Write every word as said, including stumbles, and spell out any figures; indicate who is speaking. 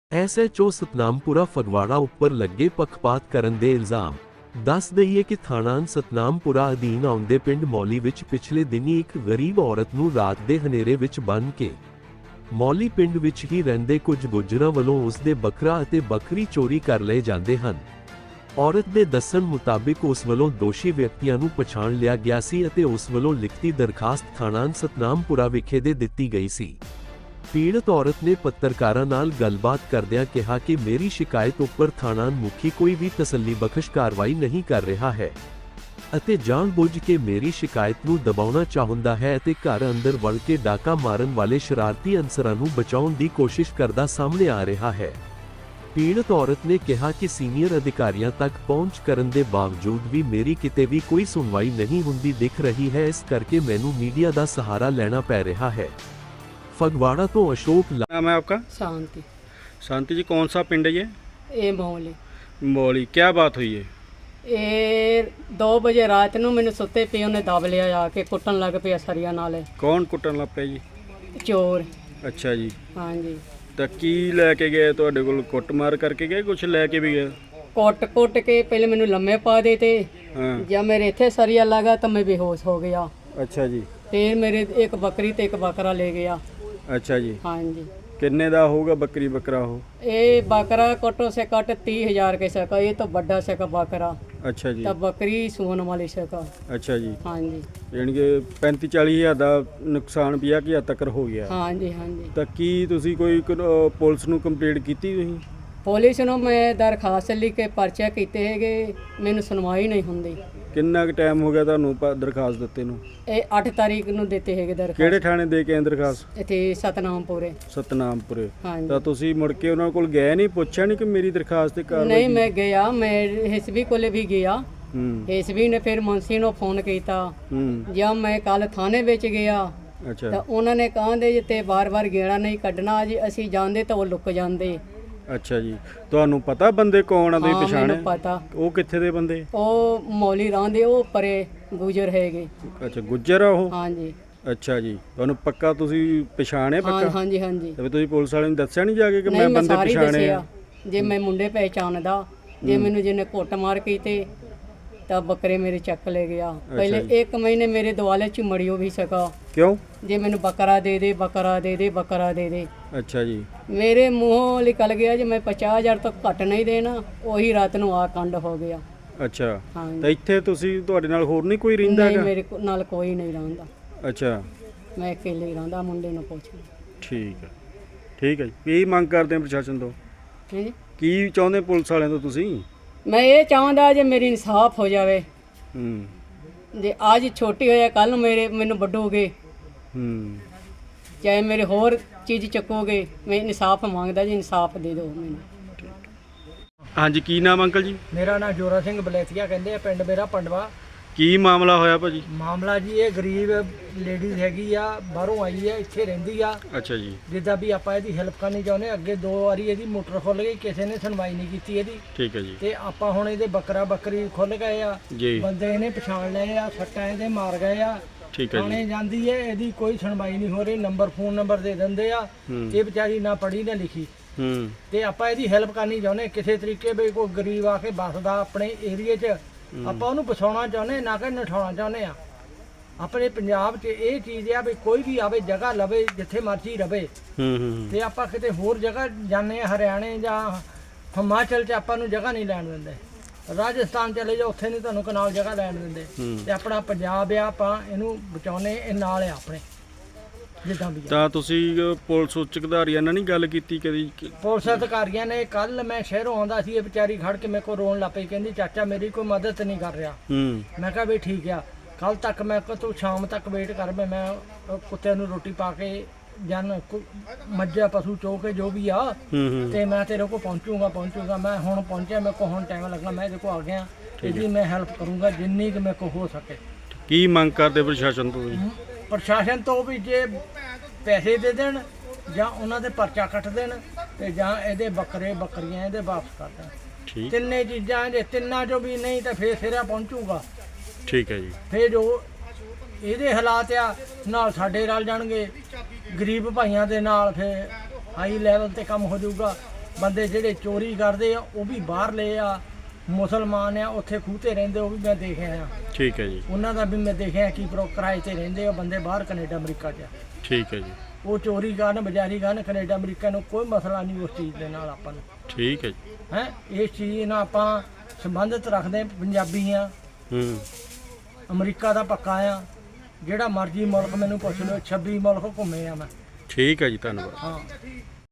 Speaker 1: S H O Satnampura Phagwara ਉੱਪਰ ਲੱਗੇ ਪੱਖਪਾਤ ਕਰਨ ਦੇ ਇਲਜ਼ਾਮ। ਦੱਸ ਦਈਏ ਕਿ ਥਾਣਾ ਸਤਨਾਮਪੁਰਾ ਅਧੀਨ ਆਉਂਦੇ ਪਿੰਡ ਮੌਲੀ ਵਿੱਚ ਪਿਛਲੇ ਦਿਨੀ ਇੱਕ ਗਰੀਬ ਔਰਤ ਨੂੰ ਰਾਤ ਦੇ ਹਨੇਰੇ ਵਿੱਚ ਬੰਨ੍ਹ ਕੇ ਮੌਲੀ ਪਿੰਡ ਵਿੱਚ ਹੀ ਰਹਿੰਦੇ ਕੁਝ ਗੁੱਜਰਾਂ ਵੱਲੋਂ ਉਸ ਦੇ ਬੱਕਰਾ ਅਤੇ ਬੱਕਰੀ ਚੋਰੀ ਕਰ ਲਏ ਜਾਂਦੇ ਹਨ। ਔਰਤ ਦੇ ਦੱਸਣ ਮੁਤਾਬਿਕ ਉਸ ਵੱਲੋਂ ਦੋਸ਼ੀ ਵਿਅਕਤੀਆਂ ਨੂੰ ਪਛਾਣ ਲਿਆ ਗਿਆ ਸੀ ਅਤੇ ਉਸ ਵੱਲੋਂ ਲਿਖਤੀ ਦਰਖਾਸਤ ਥਾਣਾ ਸਤਨਾਮਪੁਰਾ ਵਿਖੇ ਦੇ ਦਿੱਤੀ ਗਈ ਸੀ। ਪੀੜਤ ਔਰਤ ਨੇ ਪੱਤਰਕਾਰਾਂ ਨਾਲ ਗੱਲਬਾਤ ਕਰਦਿਆਂ ਕਿਹਾ ਕਿ ਮੇਰੀ ਸ਼ਿਕਾਇਤ ਉੱਪਰ ਥਾਣਾ ਮੁਖੀ ਕੋਈ ਵੀ ਤਸੱਲੀਬਖਸ਼ ਕਾਰਵਾਈ ਨਹੀਂ ਕਰ ਰਿਹਾ ਹੈ ਅਤੇ ਜਾਣਬੁੱਝ ਕੇ ਮੇਰੀ ਸ਼ਿਕਾਇਤ ਨੂੰ ਦਬਾਉਣਾ ਚਾਹੁੰਦਾ ਹੈ ਅਤੇ ਘਰ ਅੰਦਰ ਵੜ ਕੇ ਡਾਕਾ ਮਾਰਨ ਵਾਲੇ ਸ਼ਰਾਰਤੀ ਅਨਸਰਾਂ ਨੂੰ ਬਚਾਉਣ ਦੀ ਕੋਸ਼ਿਸ਼ ਕਰਦਾ ਸਾਹਮਣੇ ਆ ਰਿਹਾ ਹੈ। ਪੀੜਤ ਔਰਤ ਨੇ ਕਿਹਾ ਕਿ ਸੀਨੀਅਰ ਅਧਿਕਾਰੀਆਂ ਤੱਕ ਪਹੁੰਚ ਕਰਨ ਦੇ ਬਾਵਜੂਦ ਵੀ ਮੇਰੀ ਕਿਤੇ ਵੀ ਕੋਈ ਸੁਣਵਾਈ ਨਹੀਂ ਹੁੰਦੀ ਦਿਖ ਰਹੀ ਹੈ, ਇਸ ਕਰਕੇ ਮੈਨੂੰ ਮੀਡੀਆ ਦਾ ਸਹਾਰਾ ਲੈਣਾ ਪੈ ਰਿਹਾ है। फगवाड़ा तो अशोक
Speaker 2: नाम है आपका?
Speaker 3: शांति।
Speaker 2: शांति जी, कौन सा पिंड है ये?
Speaker 3: ये मौली।
Speaker 2: मौली। क्या बात हुई है?
Speaker 3: ਇਹ दो बजे रात ਨੂੰ ਮੈਨੂੰ ਸੁੱਤੇ ਪਏ ਉਹਨੇ ਦਬ ਲਿਆ ਆ ਕੇ ਕੁੱਟਣ ਲੱਗ ਪਿਆ ਸਰੀਆ ਨਾਲੇ।
Speaker 2: ਕੌਣ ਕੁੱਟਣ ਲੱਗ ਪਿਆ ਜੀ?
Speaker 3: ਚੋਰ।
Speaker 2: ਅੱਛਾ ਜੀ।
Speaker 3: ਹਾਂਜੀ।
Speaker 2: ਤਾਂ ਕੀ ਲੈ ਕੇ ਗਏ ਤੁਹਾਡੇ ਕੋਲ? ਕੁੱਟਮਾਰ ਕਰਕੇ ਗਏ, ਕੁਝ ਲੈ ਕੇ ਵੀ ਗਏ?
Speaker 3: ਕੁੱਟ ਕੁੱਟ ਕੇ ਪਹਿਲੇ ਮੈਨੂੰ ਲੰਮੇ ਪਾ ਦੇ ਤੇ
Speaker 2: ਹਾਂ।
Speaker 3: ਜਦ ਮੇਰੇ ਇੱਥੇ ਸਰੀਆ ਲਗਾ ਤਾਂ ਮੈਂ ਬੇਹੋਸ਼ ਹੋ ਗਿਆ।
Speaker 2: ਅੱਛਾ ਜੀ।
Speaker 3: ਫਿਰ ਮੇਰੇ ਇੱਕ ਬੱਕਰੀ ਤੇ ਇੱਕ ਬੱਕਰਾ ਲੈ ਗਿਆ।
Speaker 2: अच्छा जी।
Speaker 3: हाँ जी।
Speaker 2: किन्ने दा होगा बकरी बकरा हो?
Speaker 3: ये बकरा कटो से कट तीस हजार के सका, ये तो बड़ा सका बकरा।
Speaker 2: अच्छा जी।
Speaker 3: तब बकरी सोन वाली सका।
Speaker 2: अच्छा जी।
Speaker 3: हाँ जी।
Speaker 2: यानी कि पैंती चाली हज़ार का नुकसान भी है कि हद तक हो गया?
Speaker 3: हाँ जी हाँ जी।
Speaker 2: तो की तुसी कोई पुलिस नूं कंप्लेंट की तुसी?
Speaker 3: पुलिस ਨੂੰ मैं दरखास्त लिख के पर्चे ਕੀਤੇ ਹੈਗੇ, ਮੈਨੂੰ ਸੁਣਵਾਈ ਨਹੀਂ ਹੁੰਦੀ।
Speaker 2: ਕਿੰਨਾ ਕੁ ਟਾਈਮ ਹੋ ਗਿਆ ਤੁਹਾਨੂੰ ਦਰਖਾਸਤ ਦਿੱਤੇ ਨੂੰ?
Speaker 3: ਇਹ ਅੱਠ ਤਾਰੀਖ ਨੂੰ ਦਿੱਤੇ ਹੈਗੇ ਦਰਖਾਸਤ।
Speaker 2: ਕਿਹੜੇ ਥਾਣੇ ਦੇ ਕੇ ਦਰਖਾਸਤ?
Speaker 3: ਇੱਥੇ ਸਤਨਾਮਪੁਰੇ।
Speaker 2: ਸਤਨਾਮਪੁਰੇ।
Speaker 3: ਹਾਂਜੀ।
Speaker 2: ਤਾਂ ਤੁਸੀਂ ਮੁੜ ਕੇ ਉਹਨਾਂ ਕੋਲ ਗਏ ਨਹੀਂ, ਪੁੱਛਿਆ ਨਹੀਂ ਕਿ ਮੇਰੀ ਦਰਖਾਸਤ ਤੇ ਕਾਰਵਾਈ?
Speaker 3: ਨਹੀਂ, ਮੈਂ ਗਿਆ, ਮੈਂ ਐਸਬੀ ਕੋਲੇ ਵੀ ਗਿਆ।
Speaker 2: ਹੂੰ।
Speaker 3: ਐਸਬੀ ਨੇ ਫਿਰ ਮੁੰਸੀ ਨੂੰ ਫੋਨ ਕੀਤਾ।
Speaker 2: ਹੂੰ।
Speaker 3: ਜਦ ਮੈਂ ਕੱਲ ਥਾਣੇ ਵਿੱਚ ਗਿਆ
Speaker 2: ਅੱਛਾ।
Speaker 3: ਤਾਂ ਉਹਨਾਂ ਨੇ ਕਹਿੰਦੇ ਜੇ ਤੇ ਵਾਰ-ਵਾਰ ਗੇੜਾ ਨਹੀਂ ਕੱਢਣਾ ਜੀ, ਅਸੀਂ ਜਾਂਦੇ ਤਾਂ ਉਹ ਲੁੱਕ ਜਾਂਦੇ।
Speaker 2: ਅੱਛਾ ਜੀ। ਤੁਹਾਨੂੰ ਪਤਾ ਬੰਦੇ ਕੌਣ ਆ? ਤੁਸੀਂ
Speaker 3: ਹਾਂ,
Speaker 2: ਪਛਾਣੇ?
Speaker 3: ਮੈਨੂੰ ਪਤਾ।
Speaker 2: ਉਹ ਕਿੱਥੇ ਦੇ ਬੰਦੇ?
Speaker 3: ਉਹ ਮੌਲੀ ਰਾਂਦੇ, ਉਹ ਪਰੇ ਗੁਜਰ ਹੈਗੇ।
Speaker 2: ਅੱਛਾ, ਗੁੱਜਰ ਆ ਉਹ?
Speaker 3: ਹਾਂਜੀ।
Speaker 2: ਅੱਛਾ ਜੀ। ਤੁਹਾਨੂੰ ਪੱਕਾ ਤੁਸੀਂ ਪਛਾਣਿਆ
Speaker 3: ਹਾਂ
Speaker 2: ਪੱਕਾ?
Speaker 3: ਹਾਂਜੀ ਹਾਂਜੀ।
Speaker 2: ਤੇ ਤੁਸੀਂ ਪੁਲਿਸ ਵਾਲਿਆਂ ਨੂੰ ਦੱਸਿਆ ਨਹੀਂ ਜਾ ਕੇ ਕਿ
Speaker 3: ਨਹੀਂ,
Speaker 2: ਮੈਂ
Speaker 3: ਮੈਂ
Speaker 2: ਬੰਦੇ
Speaker 3: ਸਾਰੀ
Speaker 2: ਪਛਾਣੇ ਆ?
Speaker 3: ਦੱਸਿਆ। ਜੇ ਮੈਂ ਮੁੰਡੇ ਪਹਿਚਾਣਦਾ, ਜੇ ਮੈਨੂੰ ਜਿਹਨੇ ਕੁੱਟ ਮਾਰ ਕੀਤੇ ਤਾਂ ਬੱਕਰੇ ਮੇਰੇ ਚੱਕ ਲੈ ਗਿਆ। ਪਹਿਲੇ ਇੱਕ ਮਹੀਨੇ ਮੇਰੇ ਦੁਆਲੇ ਚ ਮੜਿਓ ਵੀ ਸਕਾ।
Speaker 2: ਕਿਉਂ?
Speaker 3: ਜੇ ਮੈਨੂੰ ਬੱਕਰਾ ਦੇ ਦੇ ਬੱਕਰਾ ਦੇ ਦੇ ਬੱਕਰਾ ਦੇ ਦੇ।
Speaker 2: ਅੱਛਾ ਜੀ।
Speaker 3: ਮੇਰੇ ਮੂੰਹੋਂ ਨਿਕਲ ਗਿਆ ਜੇ ਮੈਂ ਪਚਾਸ ਹਜ਼ਾਰ ਤੋਂ ਘੱਟ ਨਹੀਂ ਦੇਣਾ। ਉਹੀ ਰਾਤ ਨੂੰ ਆ ਕੰਡ ਹੋ ਗਿਆ।
Speaker 2: ਅੱਛਾ।
Speaker 3: ਹਾਂ।
Speaker 2: ਤਾਂ ਇੱਥੇ ਤੁਸੀਂ, ਤੁਹਾਡੇ ਨਾਲ ਹੋਰ ਨਹੀਂ ਕੋਈ ਰਹਿੰਦਾ
Speaker 3: ਨਹੀਂ,
Speaker 2: ਹੈਗਾ?
Speaker 3: ਮੇਰੇ ਕੋ- ਨਾਲ ਕੋਈ ਨਹੀਂ ਰਹਿੰਦਾ।
Speaker 2: ਅੱਛਾ।
Speaker 3: ਮੈਂ ਇਕੱਲੇ ਹੀ ਰਹਿੰਦਾ, ਮੁੰਡੇ ਨੂੰ ਪੁੱਛ।
Speaker 2: ਠੀਕ ਹੈ। ਠੀਕ ਹੈ ਜੀ। ਕੀ ਮੰਗ ਕਰਦੇ ਆ ਪ੍ਰਸ਼ਾਸਨ ਤੋਂ?
Speaker 3: ਹਾਂਜੀ।
Speaker 2: ਕੀ ਚਾਹੁੰਦੇ ਪੁਲਿਸ ਵਾਲਿਆਂ ਤੋਂ ਤੁਸੀਂ?
Speaker 3: ਮੈਂ ਇਹ ਚਾਹੁੰਦਾ ਜੇ ਮੇਰੀ ਇਨਸਾਫ ਹੋ ਜਾਵੇ।
Speaker 2: ਹੂੰ।
Speaker 3: ਜੇ ਅੱਜ ਛੋਟੀ ਹੋਇਆ ਕੱਲ ਨੂੰ ਮੇਰੇ ਮੈਨੂੰ ਵੱਡੋਗੇ,
Speaker 2: ਹੂੰ।
Speaker 3: ਚਾਹੇ ਮੇਰੇ ਹੋਰ ਚੀਜ਼ ਚੱਕੋਗੇ, ਮੈਂ ਇਨਸਾਫ ਮੰਗਦਾ ਜੀ, ਇਨਸਾਫ ਦੇ ਦਿਓ ਮੈਨੂੰ।
Speaker 2: ਹਾਂਜੀ, ਕੀ ਨਾਮ ਅੰਕਲ ਜੀ?
Speaker 4: ਮੇਰਾ ਨਾਮ ਜੋਰਾ ਸਿੰਘ ਬਲੇਤੀਆ ਕਹਿੰਦੇ ਆ, ਪਿੰਡ ਮੇਰਾ ਪੰਡਵਾ।
Speaker 2: ਕੀ ਮਾਮਲਾ ਹੋਇਆ ਭਾਜੀ?
Speaker 4: ਮਾਮਲਾ ਜੀ ਇਹ ਗਰੀਬ ਲੇਡੀਜ਼ ਹੈਗੀ ਆ, ਬਾਹਰੋਂ ਆਈ ਆ, ਇੱਥੇ ਰਹਿੰਦੀ ਆ।
Speaker 2: ਅੱਛਾ ਜੀ।
Speaker 4: ਜਿੱਦਾਂ ਵੀ ਆਪਾਂ ਇਹਦੀ ਹੈਲਪ ਕਰਨੀ ਚਾਹੁੰਦੇ। ਅੱਗੇ ਦੋ ਵਾਰੀ ਇਹਦੀ ਮੋਟਰ ਖੁੱਲ ਗਈ, ਕਿਸੇ ਨੇ ਸੁਣਵਾਈ ਨਹੀਂ ਕੀਤੀ ਇਹਦੀ।
Speaker 2: ਠੀਕ ਹੈ ਜੀ।
Speaker 4: ਤੇ ਆਪਾਂ ਹੁਣ ਇਹਦੇ ਬੱਕਰਾ ਬੱਕਰੀ ਖੁੱਲ ਗਏ ਆ,
Speaker 2: ਜੀ।
Speaker 4: ਬੰਦੇ ਇਹਨੇ ਪਛਾਣ ਲਏ ਆ, ਸੱਟਾਂ ਇਹਦੇ ਮਾਰ ਗਏ ਆ।
Speaker 2: ਠੀਕ ਹੈ ਜੀ।
Speaker 4: ਥਾਣੇ ਜਾਂਦੀ ਹੈ, ਇਹਦੀ ਕੋਈ ਸੁਣਵਾਈ ਨਹੀਂ ਹੋ ਰਹੀ। ਨੰਬਰ ਫੋਨ ਨੰਬਰ ਦੇ ਦਿੰਦੇ ਆ, ਇਹ ਵਿਚਾਰੀ ਨਾ ਪੜ੍ਹੀ ਨਾ ਲਿਖੀ।
Speaker 2: ਹੂੰ।
Speaker 4: ਤੇ ਆਪਾਂ ਇਹਦੀ ਹੈਲਪ ਕਰਨੀ ਚਾਹੁੰਦੇ ਕਿਸੇ ਤਰੀਕੇ ਵੀ। ਕੋਈ ਗਰੀਬ ਆ ਕੇ ਵੱਸਦਾ ਆਪਣੇ ਏਰੀਏ 'ਚ, ਆਪਾਂ ਉਹਨੂੰ ਬਸਾਉਣਾ ਚਾਹੁੰਦੇ, ਨਾ ਕਿ ਨਠਾਉਣਾ ਚਾਹੁੰਦੇ ਆ। ਆਪਣੇ ਪੰਜਾਬ 'ਚ ਇਹ ਚੀਜ਼ ਆ ਵੀ ਕੋਈ ਵੀ ਆਵੇ, ਜਗ੍ਹਾ ਲਵੇ, ਜਿੱਥੇ ਮਰਜ਼ੀ ਰਵੇ।
Speaker 2: ਹੂੰ ਹੂੰ।
Speaker 4: ਤੇ ਆਪਾਂ ਕਿਤੇ ਹੋਰ ਜਗ੍ਹਾ ਜਾਂਦੇ ਆ, ਹਰਿਆਣੇ ਜਾਂ ਹਿਮਾਚਲ 'ਚ ਆਪਾਂ ਨੂੰ ਜਗ੍ਹਾ ਨਹੀਂ ਲੈਣ ਦਿੰਦੇ। ਰਾਜਸਥਾਨ ਚਲੇ ਜਾਓ, ਉੱਥੇ ਨਹੀਂ ਤੁਹਾਨੂੰ ਕਨਾਲ ਜਗ੍ਹਾ ਲੈਣ ਦਿੰਦੇ। ਤੇ ਆਪਣਾ ਪੰਜਾਬ ਆ, ਆਪਾਂ ਇਹਨੂੰ ਬਚਾਉਣੇ, ਇਹ ਨਾਲ ਆ ਆਪਣੇ ਜਿੱਦਾਂ ਵੀ ਆ।
Speaker 2: ਤਾਂ ਤੁਸੀਂ ਪੁਲਿਸ ਉੱਚ ਅਧਿਕਾਰੀਆਂ ਨਾਲ ਨਹੀਂ ਗੱਲ ਕੀਤੀ ਕਦੀ?
Speaker 4: ਪੁਲਿਸ ਅਧਿਕਾਰੀਆਂ ਨੇ, ਕੱਲ ਮੈਂ ਸ਼ਹਿਰੋਂ ਆਉਂਦਾ ਸੀ, ਇਹ ਵਿਚਾਰੀ ਖੜ ਕੇ ਮੇਰੇ ਕੋਲ ਰੋਣ ਲੱਗ ਪਈ, ਕਹਿੰਦੀ ਚਾਚਾ ਮੇਰੀ ਕੋਈ ਮਦਦ ਨਹੀਂ ਕਰ ਰਿਹਾ।
Speaker 2: ਹੂੰ।
Speaker 4: ਮੈਂ ਕਿਹਾ ਵੀ ਠੀਕ ਆ, ਕੱਲ ਤੱਕ ਮੈਂ ਕਿਹਾ ਤੂੰ ਸ਼ਾਮ ਤੱਕ ਵੇਟ ਕਰ, ਮੈਂ ਮੈਂ ਕੁੱਤਿਆਂ ਨੂੰ ਰੋਟੀ ਪਾ ਕੇ ਜਨ ਮੱਝਾਂ ਪਸ਼ੂ ਚੋ ਕੇ ਜੋ ਵੀ ਆ, ਤੇ ਮੈਂ ਤੇਰੇ ਕੋਲ ਪਹੁੰਚੂਗਾ ਪਹੁੰਚੂਗਾ ਮੈਂ ਹੁਣ ਪਹੁੰਚਿਆ, ਮੇਰੇ ਕੋਲ ਹੁਣ ਟਾਈਮ ਲੱਗਣਾ, ਮੈਂ ਇਹਦੇ ਕੋਲ ਆ ਗਿਆ। ਇਹਦੀ ਮੈਂ ਹੈਲਪ ਕਰੂੰਗਾ ਜਿੰਨੀ ਕਿ ਮੇਰੇ ਕੋਲ ਹੋ ਸਕੇ।
Speaker 2: ਕੀ ਮੰਗ ਕਰਦੇ ਪ੍ਰਸ਼ਾਸਨ ਤੋਂ?
Speaker 4: ਪ੍ਰਸ਼ਾਸਨ ਤੋਂ ਵੀ ਜੇ ਪੈਸੇ ਦੇ ਦੇਣ ਜਾਂ ਉਹਨਾਂ ਦੇ ਪਰਚਾ ਕੱਟ ਦੇਣ, ਤੇ ਜਾਂ ਇਹਦੇ ਬੱਕਰੇ ਬੱਕਰੀਆਂ ਇਹਦੇ ਵਾਪਸ ਕਰ ਦੇਣ।
Speaker 2: ਠੀਕ।
Speaker 4: ਤਿੰਨੇ ਚੀਜ਼ਾਂ, ਜੇ ਤਿੰਨਾਂ ਚੋਂ ਵੀ ਨਹੀਂ ਤਾਂ ਫੇਰ ਸਿਰਾ ਪਹੁੰਚੂਗਾ।
Speaker 2: ਠੀਕ ਹੈ ਜੀ।
Speaker 4: ਫੇਰ ਜੋ ਇਹਦੇ ਹਾਲਾਤ ਆ ਨਾਲ ਸਾਡੇ ਰਲ ਜਾਣਗੇ, ਗਰੀਬ ਭਾਈਆਂ ਦੇ ਨਾਲ ਫੇਰ ਹਾਈ ਲੈਵਲ ਤੇ ਕੰਮ ਹੋ ਜਾਊਗਾ। ਬੰਦੇ ਜਿਹੜੇ ਚੋਰੀ ਕਰਦੇ ਆ ਉਹ ਵੀ ਬਾਹਰਲੇ ਆ, ਮੁਸਲਮਾਨ ਆ ਉੱਥੇ ਖੂਹ ਤੇ ਰਹਿੰਦੇ, ਉਹ ਵੀ ਮੈਂ ਦੇਖਿਆ ਆ।
Speaker 2: ਠੀਕ ਹੈ ਜੀ।
Speaker 4: ਉਹਨਾਂ ਦਾ ਵੀ ਮੈਂ ਦੇਖਿਆ ਕੀ ਪ੍ਰੋ ਕਿਰਾਏ ਤੇ ਰਹਿੰਦੇ ਆ ਬੰਦੇ ਬਾਹਰ ਕੈਨੇਡਾ ਅਮਰੀਕਾ 'ਚ।
Speaker 2: ਠੀਕ ਹੈ ਜੀ।
Speaker 4: ਉਹ ਚੋਰੀ ਕਰਨ ਬਜ਼ਾਰੀ ਕਰਨ ਕੈਨੇਡਾ ਅਮਰੀਕਾ ਨੂੰ ਕੋਈ ਮਸਲਾ ਨਹੀਂ ਉਸ ਚੀਜ਼ ਦੇ ਨਾਲ ਆਪਾਂ ਨੂੰ।
Speaker 2: ਠੀਕ ਹੈ ਜੀ।
Speaker 4: ਹੈ ਇਸ ਚੀਜ਼ ਨਾਲ ਆਪਾਂ ਸੰਬੰਧਿਤ ਰੱਖਦੇ ਪੰਜਾਬੀ ਆ।
Speaker 2: ਹੂੰ।
Speaker 4: ਅਮਰੀਕਾ ਦਾ ਪੱਕਾ ਆ, ਜਿਹੜਾ ਮਰਜ਼ੀ ਮੁਲਕ ਮੈਨੂੰ ਪੁੱਛ ਲਓ, ਛੱਬੀ ਮੁਲਕ ਘੁੰਮੇ ਆ ਮੈਂ।
Speaker 2: ਠੀਕ ਹੈ ਜੀ, ਧੰਨਵਾਦ।
Speaker 4: ਹਾਂ।